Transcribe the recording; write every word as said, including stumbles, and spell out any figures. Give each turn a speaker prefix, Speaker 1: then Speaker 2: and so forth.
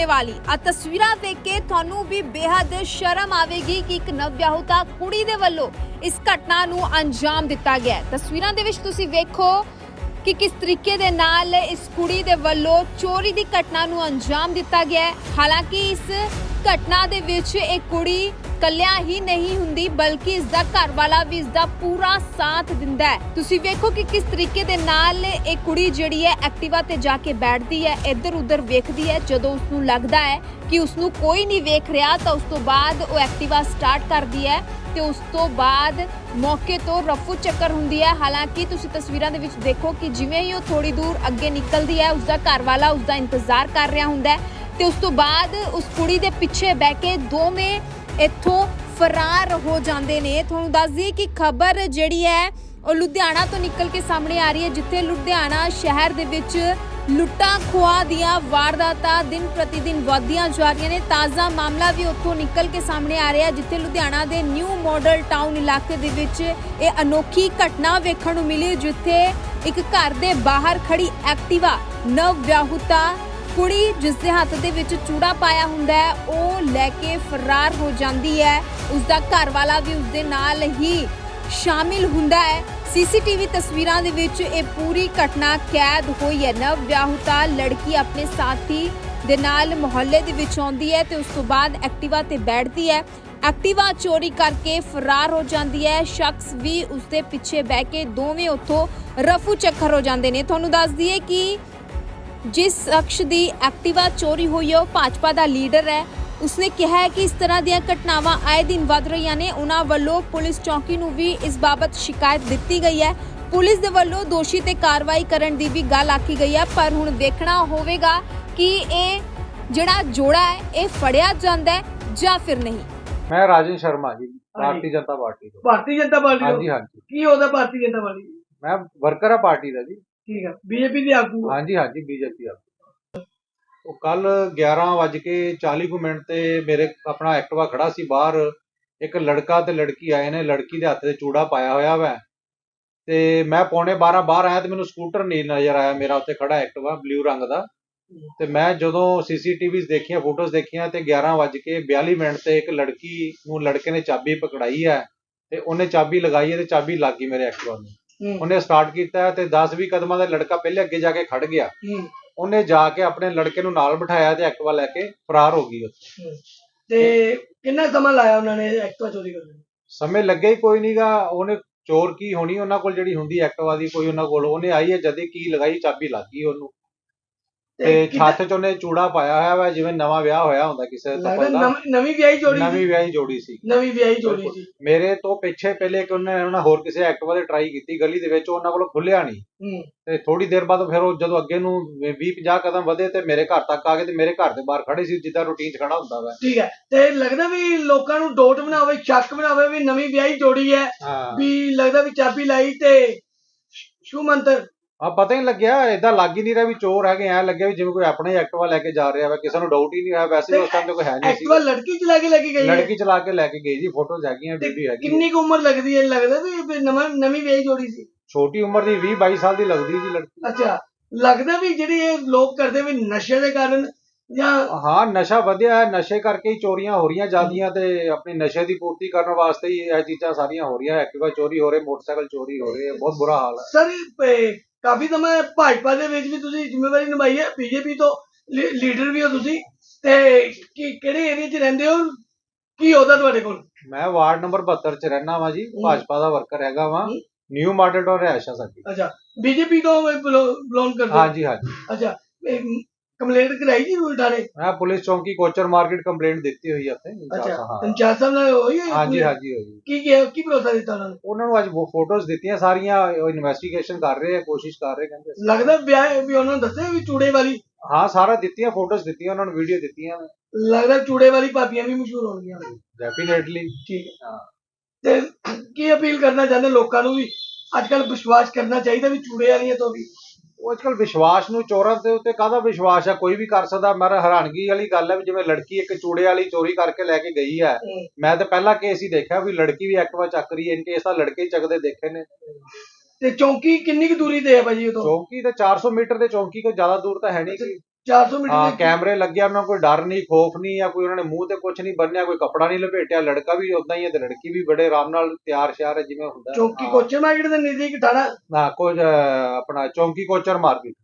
Speaker 1: ਚੂੜੇ ਵਾਲੀ ਆ ਤਸਵੀਰਾਂ ਦੇਖ ਕੇ ਤੁਹਾਨੂੰ ਵੀ ਬੇहद ਸ਼ਰਮ ਆਵੇਗੀ ਕਿ ਇੱਕ ਨਵਵਿਆਹੁਤਾ ਕੁੜੀ ਦੇ ਵੱਲੋਂ ਇਸ ਘਟਨਾ ਨੂੰ ਅੰਜਾਮ ਦਿੱਤਾ ਗਿਆ ਹੈ। ਤਸਵੀਰਾਂ ਦੇ ਵਿੱਚ ਤੁਸੀਂ ਵੇਖੋ ਕਿ ਕਿਸ ਤਰੀਕੇ ਦੇ ਨਾਲ ਇਸ ਕੁੜੀ ਦੇ ਵੱਲੋਂ ਚੋਰੀ ਦੀ ਘਟਨਾ ਨੂੰ ਅੰਜਾਮ ਦਿੱਤਾ ਗਿਆ ਹੈ। ਹਾਲਾਂਕਿ ਇਸ ਘਟਨਾ ਦੇ ਵਿੱਚ ਇਹ ਕੁੜੀ ਕੱਲਿਆਂ ਹੀ ਨਹੀਂ ਹੁੰਦੀ ਬਲਕਿ ਇਸ ਦਾ ਘਰ ਵਾਲਾ ਵੀ ਇਸ ਦਾ ਪੂਰਾ ਸਾਥ ਦਿੰਦਾ ਹੈ। ਤੁਸੀਂ ਵੇਖੋ ਕਿ ਕਿਸ ਤਰੀਕੇ ਦੇ ਨਾਲ ਇਹ ਕੁੜੀ ਜਿਹੜੀ ਹੈ ਐਕਟਿਵਾ ਤੇ ਜਾ ਕੇ ਬੈਠਦੀ ਹੈ, ਇੱਧਰ ਉੱਧਰ ਵੇਖਦੀ ਹੈ। ਜਦੋਂ ਉਸ ਨੂੰ ਲੱਗਦਾ ਹੈ ਕਿ ਉਸ ਨੂੰ ਕੋਈ ਨਹੀਂ ਵੇਖ ਰਿਹਾ ਤਾਂ ਉਸ ਤੋਂ ਬਾਅਦ ਉਹ ਐਕਟਿਵਾ ਸਟਾਰਟ ਕਰਦੀ ਹੈ ਤੇ ਉਸ ਤੋਂ ਬਾਅਦ ਮੌਕੇ ਤੋਂ ਰਫੂ ਚੱਕਰ ਹੁੰਦੀ ਹੈ। ਹਾਲਾਂਕਿ ਤੁਸੀਂ ਤਸਵੀਰਾਂ ਦੇ ਵਿੱਚ ਦੇਖੋ ਕਿ ਜਿਵੇਂ ਹੀ ਉਹ ਥੋੜੀ ਦੂਰ ਅੱਗੇ ਨਿਕਲਦੀ ਹੈ ਉਸ ਦਾ ਘਰ ਵਾਲਾ ਉਸ ਦਾ ਇੰਤਜ਼ਾਰ ਕਰ ਰਿਹਾ ਹੁੰਦਾ ਹੈ ਤੇ ਉਸ ਤੋਂ ਬਾਅਦ ਉਸ ਕੁੜੀ ਦੇ ਪਿੱਛੇ ਬਹਿ ਕੇ ਦੋਵੇਂ ਇੱਥੋਂ ਫਰਾਰ ਹੋ ਜਾਂਦੇ ਨੇ। ਤੁਹਾਨੂੰ ਦੱਸ ਦਈਏ ਕਿ ਖਬਰ ਜਿਹੜੀ ਹੈ ਉਹ ਲੁਧਿਆਣਾ ਤੋਂ ਨਿਕਲ ਕੇ ਸਾਹਮਣੇ ਆ ਰਹੀ ਹੈ, ਜਿੱਥੇ ਲੁਧਿਆਣਾ ਸ਼ਹਿਰ ਦੇ ਵਿੱਚ ਲੁੱਟਾਂ ਖੋਹਾਂ ਦੀਆਂ ਵਾਰਦਾਤਾਂ ਦਿਨ ਪ੍ਰਤੀ ਦਿਨ ਵਧਦੀਆਂ ਜਾ ਰਹੀਆਂ ਨੇ। ਤਾਜ਼ਾ ਮਾਮਲਾ ਵੀ ਉੱਥੋਂ ਨਿਕਲ ਕੇ ਸਾਹਮਣੇ ਆ ਰਿਹਾ, ਜਿੱਥੇ ਲੁਧਿਆਣਾ ਦੇ ਨਿਊ ਮਾਡਲ ਟਾਊਨ ਇਲਾਕੇ ਦੇ ਵਿੱਚ ਇਹ ਅਨੋਖੀ ਘਟਨਾ ਵੇਖਣ ਨੂੰ ਮਿਲੀ, ਜਿੱਥੇ ਇੱਕ ਘਰ ਦੇ ਬਾਹਰ ਖੜੀ ਐਕਟਿਵਾ ਨਵਵਿਆਹੁਤਾ ਕੁੜੀ ਜਿਸ ਦੇ ਹੱਥ ਦੇ ਵਿੱਚ ਚੂੜਾ ਪਾਇਆ ਹੁੰਦਾ ਹੈ ਉਹ ਲੈ ਕੇ ਫਰਾਰ ਹੋ ਜਾਂਦੀ ਹੈ। ਉਸ ਦਾ ਘਰ ਵਾਲਾ ਵੀ ਉਸ ਦੇ ਨਾਲ ਹੀ ਸ਼ਾਮਿਲ ਹੁੰਦਾ ਹੈ। ਸੀਸੀਟੀਵੀ ਤਸਵੀਰਾਂ ਦੇ ਵਿੱਚ ਇਹ ਪੂਰੀ ਘਟਨਾ ਕੈਦ ਹੋਈ ਹੈ। ਨਵਵਿਆਹੁਤਾ ਲੜਕੀ ਆਪਣੇ ਸਾਥੀ ਦੇ ਨਾਲ ਮੁਹੱਲੇ ਦੇ ਵਿੱਚ ਆਉਂਦੀ ਹੈ ਤੇ ਉਸ ਤੋਂ ਬਾਅਦ ਐਕਟਿਵਾ ਤੇ ਬੈਠਦੀ ਹੈ। ਐਕਟਿਵਾ ਚੋਰੀ ਕਰਕੇ ਫਰਾਰ ਹੋ ਜਾਂਦੀ ਹੈ। ਸ਼ਖਸ ਵੀ ਉਸ ਦੇ ਪਿੱਛੇ ਬਹਿ ਕੇ ਦੋਵੇਂ ਉੱਥੋਂ ਰਫੂ ਚੱਕਰ ਹੋ ਜਾਂਦੇ ਨੇ। ਤੁਹਾਨੂੰ ਦੱਸ ਦਈਏ ਕਿ ਜਿਸ ਸ਼ਖਸ ਦੀ ਐਕਟਿਵਾ ਚੋਰੀ ਹੋਈ ਹੈ ਉਹ ਭਾਜਪਾ ਦਾ ਲੀਡਰ ਹੈ। ਉਸਨੇ ਕਿਹਾ ਹੈ ਕਿ ਇਸ ਤਰ੍ਹਾਂ ਦੀਆਂ ਘਟਨਾਵਾਂ ਆਏ ਦਿਨ ਵੱਧ ਰਹੀਆਂ ਨੇ। ਉਹਨਾਂ ਵੱਲੋਂ ਪੁਲਿਸ ਚੌਕੀ ਨੂੰ ਵੀ ਇਸ ਬਾਬਤ ਸ਼ਿਕਾਇਤ ਦਿੱਤੀ ਗਈ ਹੈ। ਪੁਲਿਸ ਦੇ ਵੱਲੋਂ ਦੋਸ਼ੀ ਤੇ ਕਾਰਵਾਈ ਕਰਨ ਦੀ ਵੀ ਗੱਲ ਆਖੀ ਗਈ ਹੈ, ਪਰ ਹੁਣ ਦੇਖਣਾ ਹੋਵੇਗਾ ਕਿ ਇਹ ਜਿਹੜਾ ਜੋੜਾ ਹੈ ਇਹ ਫੜਿਆ ਜਾਂਦਾ ਹੈ ਜਾਂ ਫਿਰ ਨਹੀਂ।
Speaker 2: मैं राजन शर्मा जी, भारतीय जनता पार्टी ਤੋਂ।
Speaker 3: ਭਾਰਤੀ ਜਨਤਾ ਪਾਰਟੀ
Speaker 2: हाँ
Speaker 3: ਤੋਂ?
Speaker 2: जी हाँ जी,
Speaker 3: ਕੀ ਉਹਦਾ ਭਾਰਤੀ ਜਨਤਾ ਪਾਰਟੀ?
Speaker 2: मैं वर्कर है पार्टी ਦਾ ਜੀ।
Speaker 3: ਠੀਕ ਹੈ, ਬੀਜੇਪੀ ਦੇ ਆਗੂ?
Speaker 2: हाँ जी हाँ जी, बीजेपी ਆ। ਉਹ ਕੱਲ ਗਿਆਰਾਂ ਵੱਜ ਕੇ ਚਾਲੀ ਕੁ ਮਿੰਟ ਤੇ ਮੇਰੇ ਆਪਣਾ ਐਕਟਿਵਾ ਖੜਾ ਸੀ ਬਾਹਰ। ਇੱਕ ਲੜਕਾ ਤੇ ਲੜਕੀ ਆਏ ਨੇ, ਲੜਕੀ ਦੇ ਹੱਥ ਤੇ ਚੂੜਾ ਪਾਇਆ ਹੋਇਆ ਵਾ ਤੇ ਮੈਂ ਪੌਣੇ ਬਾਰਾਂ ਬਾਹਰ ਆਇਆ ਤੇ ਮੈਨੂੰ ਸਕੂਟਰ ਨਹੀਂ ਨਜ਼ਰ ਆਇਆ ਮੇਰਾ ਉੱਥੇ ਖੜਾ ਐਕਟਿਵਾ ਬਲੂ ਰੰਗ ਦਾ। ਤੇ ਮੈਂ ਜਦੋਂ ਸੀਸੀਟੀਵੀਜ਼ ਦੇਖੀਆਂ, ਫੋਟੋਜ਼ ਦੇਖੀਆਂ ਤੇ ਗਿਆਰਾਂ ਵੱਜ ਕੇ ਬਿਆਲੀ ਮਿੰਟ ਤੇ ਇੱਕ ਲੜਕੀ ਨੂੰ ਲੜਕੇ ਨੇ ਚਾਬੀ ਪਕੜਾਈ ਹੈ ਤੇ ਉਹਨੇ ਚਾਬੀ ਲਗਾਈ ਹੈ ਤੇ ਚਾਬੀ ਲੱਗ ਗਈ ਮੇਰੇ ਐਕਟਿਵਾ ਨੂੰ। ਉਹਨੇ ਸਟਾਰਟ ਕੀਤਾ ਤੇ ਦਸ ਵੀਹ ਕਦਮਾਂ ਦਾ ਲੜਕਾ ਪਹਿਲੇ ਅੱਗੇ ਜਾ ਕੇ ਖੜ ਗਿਆ। ਉਹਨੇ ਜਾ ਕੇ ਆਪਣੇ ਲੜਕੇ ਨੂੰ ਨਾਲ ਬਿਠਾਇਆ ਤੇ ਐਕਟਿਵਾ ਲੈ ਕੇ ਫਰਾਰ ਹੋ ਗਈ ਉੱਥੇ।
Speaker 3: ਤੇ ਕਿੰਨਾ ਸਮਾਂ ਲਾਇਆ ਉਹਨਾਂ ਨੇ ਐਕਟਿਵਾ ਚੋਰੀ ਕਰਨ ਨੂੰ?
Speaker 2: ਸਮੇਂ ਲੱਗਿਆ ਹੀ ਕੋਈ ਨਹੀਂਗਾ। ਉਹਨੇ ਚੋਰ ਕੀ ਹੋਣੀ ਉਹਨਾਂ ਕੋਲ ਜਿਹੜੀ ਹੁੰਦੀ ਐਕਟਿਵਾ ਦੀ ਕੋਈ ਉਹਨਾਂ ਕੋਲ, ਉਹਨੇ ਆਈ ਹੈ ਜਦੇ ਕੀ ਲਗਾਈ ਚਾਬੀ ਲੱਗ ਗਈ ਉਹਨੂੰ ਤੇ ਛੱਤ ਚ ਉਹਨੇ ਚੂੜਾ ਪਾਇਆ ਹੋਇਆ ਵਾ ਜਿਵੇਂ ਨਵਾਂ ਵਿਆਹ ਹੋਇਆ ਹੁੰਦਾ ਕਿਸੇ ਦਾ।
Speaker 3: ਨਵੀਂ ਵਿਆਹੀ ਜੋੜੀ?
Speaker 2: ਨਵੀਂ ਵਿਆਹੀ ਜੋੜੀ ਸੀ।
Speaker 3: ਨਵੀਂ ਵਿਆਹੀ ਜੋੜੀ ਸੀ।
Speaker 2: ਮੇਰੇ ਤੋਂ ਪਿੱਛੇ ਪਹਿਲੇ ਕਿ ਉਹਨੇ ਉਹਨਾਂ ਹੋਰ ਕਿਸੇ ਐਕਟਿਵਾ ਤੇ ਟਰਾਈ ਕੀਤੀ ਗਲੀ ਦੇ ਵਿੱਚ, ਉਹਨਾਂ ਕੋਲ ਖੁੱਲਿਆ ਨਹੀਂ ਤੇ ਥੋੜੀ ਦੇਰ ਬਾਅਦ ਫਿਰ ਉਹ ਜਦੋਂ ਅੱਗੇ ਨੂੰ ਵੀਹ ਪੰਜਾਹ ਕਦਮ ਵਧੇ ਤੇ ਮੇਰੇ ਘਰ ਤੱਕ ਆ ਗਏ ਤੇ ਮੇਰੇ ਘਰ ਦੇ ਬਾਹਰ ਖੜੇ ਸੀ ਜਿੱਦਾਂ ਰੂਟੀਨ ਚ ਖੜਾ ਹੁੰਦਾ ਵਾ।
Speaker 3: ਠੀਕ ਹੈ, ਤੇ ਲੱਗਦਾ ਵੀ ਲੋਕਾਂ ਨੂੰ ਡੋਟ ਬਣਾਵੇ, ਸ਼ੱਕ ਬਣਾਵੇ ਵੀ ਨਵੀਂ ਵਿਆਹੀ ਜੋੜੀ ਹੈ, ਵੀ ਲੱਗਦਾ ਵੀ ਚਾਬੀ ਲਾਈ ਤੇ ਸ਼ੂ ਮੰਤਰ
Speaker 2: ਆ ਪਤਾ ਹੀ ਲੱਗਿਆ। ਏਦਾਂ ਲੱਗ ਹੀ ਨਹੀਂ ਰਿਹਾ ਵੀ ਚੋਰ ਹੈਗੇ, ਐ ਲੱਗਿਆ ਵੀ ਜਿਵੇਂ ਕੋਈ ਆਪਣਾ ਹੀ ਐਕਟਿਵਾ ਲੈ ਕੇ ਜਾ ਰਿਹਾ ਵਾ, ਕਿਸੇ ਨੂੰ ਡਾਊਟ ਹੀ ਨਹੀਂ ਹੋਇਆ। ਵੈਸੇ ਉਸ ਟਾਈਮ ਤੇ ਕੋਈ ਹੈ ਨਹੀਂ ਸੀ।
Speaker 3: ਐਕਟਿਵਾ ਲੜਕੀ ਚਲਾ ਕੇ ਲੈ ਕੇ ਗਈ?
Speaker 2: ਲੜਕੀ ਚਲਾ ਕੇ ਲੈ ਕੇ ਗਈ ਜੀ, ਫੋਟੋਜ਼ ਹੈਗੀਆਂ, ਵੀਡੀਓ ਹੈਗੀ।
Speaker 3: ਕਿੰਨੀ ਕੁ ਉਮਰ ਲੱਗਦੀ ਹੈ? ਲੱਗਦਾ ਵੀ ਨਵਾਂ ਨਵੀਂ ਵਿਆਹੀ ਜੋੜੀ ਸੀ?
Speaker 2: ਛੋਟੀ ਉਮਰ ਦੀ ਵੀਹ ਬਾਈ ਸਾਲ ਦੀ ਲੱਗਦੀ ਜੀ ਲੜਕੀ।
Speaker 3: ਅੱਛਾ, ਲੱਗਦਾ ਵੀ ਜਿਹੜੀ ਇਹ ਲੋਕ ਕਰਦੇ ਵੀ ਨਸ਼ੇ ਦੇ ਕਾਰਨ ਜਾਂ?
Speaker 2: ਹਾਂ, ਨਸ਼ਾ ਵਧਿਆ ਹੈ, ਨਸ਼ੇ ਕਰਕੇ ਹੀ ਚੋਰੀਆਂ ਹੋ ਰਹੀਆਂ ਜਾਂਦੀਆਂ ਤੇ ਆਪਣੀ ਨਸ਼ੇ ਦੀ ਪੂਰਤੀ ਕਰਨ ਵਾਸਤੇ ਹੀ ਇਹ ਚੀਜ਼ਾਂ ਸਾਰੀਆਂ ਹੋ ਰਹੀਆਂ। ਐਕਟਿਵਾ ਚੋਰੀ ਹੋ ਰਹੇ, ਮੋਟਰਸਾਈਕਲ ਚੋਰੀ ਹੋ ਰਹੇ, ਬਹੁਤ ਬੁਰਾ ਹਾਲ ਹੈ।
Speaker 3: ਸਰ ਕਾਫੀ ਸਮਾਂ ਭਾਜਪਾ ਦੇ ਵਿੱਚ ਵੀ ਤੁਸੀਂ ਜ਼ਿੰਮੇਵਾਰੀ ਨਿਭਾਈ ਹੈ, ਬੀਜੇਪੀ ਤੋਂ ਲੀਡਰ ਵੀ ਹੋ ਤੁਸੀਂ, ਤੇ ਕੀ ਕਿਹੜੇ ਏਰੀਆ 'ਚ ਰਹਿੰਦੇ ਹੋ? ਕੀ ਉਹਦਾ ਤੁਹਾਡੇ ਕੋਲ?
Speaker 2: ਮੈਂ ਵਾਰਡ ਨੰਬਰ ਬਹੱਤਰ ਚ ਰਹਿਣਾ ਵਾ ਜੀ, ਭਾਜਪਾ ਦਾ ਵਰਕਰ ਹੈਗਾ ਵਾ। ਨਿਊ ਮਾਡਲ ਟਾਊਨ ਰਿਹਾਇਸ਼ ਆ ਸਾਡੀ।
Speaker 3: ਅੱਛਾ, ਬੀਜੇਪੀ ਤੋਂ ਬਿਲੋਂਗ ਕਰਦੇ?
Speaker 2: ਹਾਂਜੀ ਹਾਂਜੀ।
Speaker 3: ਅੱਛਾ, ਕੰਪਲੇਂਟ ਕਰਾਈ ਜੀ ਰੂਲ ਥਾਣੇ?
Speaker 2: ਮੈਂ ਪੁਲਿਸ ਚੌਂਕੀ ਕੋਚਰ ਮਾਰਕੀਟ ਕੰਪਲੇਂਟ ਦਿੱਤੀ ਹੋਈ ਹੈ ਉੱਥੇ।
Speaker 3: ਅੱਛਾ, ਇੰਚਾਰਜ ਸਾਹਿਬ ਨਾਲ ਹੋਈ ਹੈ?
Speaker 2: ਹਾਂਜੀ ਹਾਂਜੀ ਹੋਈ।
Speaker 3: ਕੀ ਕਿਹਾ, ਕੀ ਭਰੋਸਾ ਦਿੱਤਾ ਉਹਨਾਂ ਨੂੰ?
Speaker 2: ਉਹਨਾਂ ਨੂੰ ਅੱਜ ਫੋਟੋਜ਼ ਦਿੱਤੀਆਂ ਸਾਰੀਆਂ, ਇਨਵੈਸਟੀਗੇਸ਼ਨ ਕਰ ਰਹੇ ਆ, ਕੋਸ਼ਿਸ਼ ਕਰ ਰਹੇ ਕਹਿੰਦੇ।
Speaker 3: ਲੱਗਦਾ ਵਿਆਹ ਵੀ ਉਹਨਾਂ ਨੂੰ ਦੱਸਿਆ ਵੀ ਚੂੜੇ ਵਾਲੀ?
Speaker 2: ਹਾਂ, ਸਾਰਾ ਦਿੱਤੀਆਂ, ਫੋਟੋਜ਼ ਦਿੱਤੀਆਂ ਉਹਨਾਂ ਨੂੰ, ਵੀਡੀਓ ਦਿੱਤੀਆਂ।
Speaker 3: ਲੱਗਦਾ ਚੂੜੇ ਵਾਲੀ ਭਾਬੀਆਂ ਵੀ ਮਸ਼ਹੂਰ ਹੋਣਗੀਆਂ।
Speaker 2: ਡੈਫੀਨੇਟਲੀ।
Speaker 3: ਠੀਕ ਹੈ, ਹਾਂ। ਤੇ ਕੀ ਅਪੀਲ ਕਰਨਾ ਚਾਹੁੰਦੇ ਲੋਕਾਂ ਨੂੰ ਵੀ ਅੱਜ ਕੱਲ ਵਿਸ਼ਵਾਸ ਕਰਨਾ ਚਾਹੀਦਾ ਵੀ ਚੂੜੇ ਵਾਲੀਆਂ ਤੋਂ ਵੀ?
Speaker 2: ਉਹ ਅੱਜ ਕੱਲ ਵਿਸ਼ਵਾਸ ਨੂੰ, ਚੋਰਾਂ ਦੇ ਉੱਤੇ ਕਾਹਦਾ ਵਿਸ਼ਵਾਸ ਆ, ਕੋਈ ਵੀ ਕਰ ਸਕਦਾ। ਮੇਰਾ ਹੈਰਾਨਗੀ ਵਾਲੀ ਗੱਲ ਹੈ ਵੀ ਜਿਵੇਂ ਲੜਕੀ ਇੱਕ ਚੂੜੇ ਵਾਲੀ ਚੋਰੀ ਕਰਕੇ ਲੈ ਕੇ ਗਈ ਹੈ। ਮੈਂ ਤਾਂ ਪਹਿਲਾ ਕੇਸ ਹੀ ਦੇਖਿਆ ਵੀ ਲੜਕੀ ਵੀ ਐਕਟਿਵਾ ਚੱਕ ਰਹੀ ਹੈ। ਇਨ ਕੇਸ ਤਾਂ ਲੜਕੇ ਹੀ ਚੱਕਦੇ ਦੇਖੇ ਨੇ।
Speaker 3: ਤੇ ਚੌਂਕੀ ਕਿੰਨੀ ਕੁ ਦੂਰੀ ਤੇ ਹੈ ਭਾਜੀ ਉਦੋਂ?
Speaker 2: ਚੌਂਕੀ ਤੇ ਚਾਰ ਸੌ ਮੀਟਰ ਦੇ ਚੌਂਕੀ ਕੋਈ ਜ਼ਿਆਦਾ ਦੂਰ ਤਾਂ ਹੈ ਨਹੀਂ।
Speaker 3: ਚਾਰ ਸੌ ਮੀਟਰ
Speaker 2: ਹਾਂ
Speaker 3: ਦੇ
Speaker 2: ਕੈਮਰੇ ਲੱਗੇ ਆ, ਉਹਨਾਂ ਨੂੰ ਕੋਈ ਡਰ ਨਹੀਂ ਖੋਫ ਨਹੀਂ, ਜਾਂ ਕੋਈ ਉਹਨਾਂ ਨੇ ਮੂੰਹ ਤੇ ਕੁਝ ਨਹੀਂ ਬੰਨਿਆ, ਕੋਈ ਕੱਪੜਾ ਨਹੀਂ ਲਪੇਟਿਆ। ਲੜਕਾ ਵੀ ਉਦਾਂ ਹੀ ਹੈ ਤੇ ਲੜਕੀ ਵੀ ਬੜੇ ਆਰਾਮ ਨਾਲ ਤਿਆਰ ਸ਼ਿਆਰ ਹੈ ਜਿਵੇਂ ਹੁੰਦਾ।
Speaker 3: ਚੌਂਕੀ
Speaker 2: ਹਾਂ।
Speaker 3: ਕੋਚਰ ਮਾਰਕੀਟ ਦੇ ਨਜ਼ਦੀਕ ਥਾਣਾ
Speaker 2: ਨਾ ਕੁਝ ਅਹ, ਆਪਣਾ ਚੌਂਕੀ ਕੋਚਰ ਮਾਰਕੀਟ।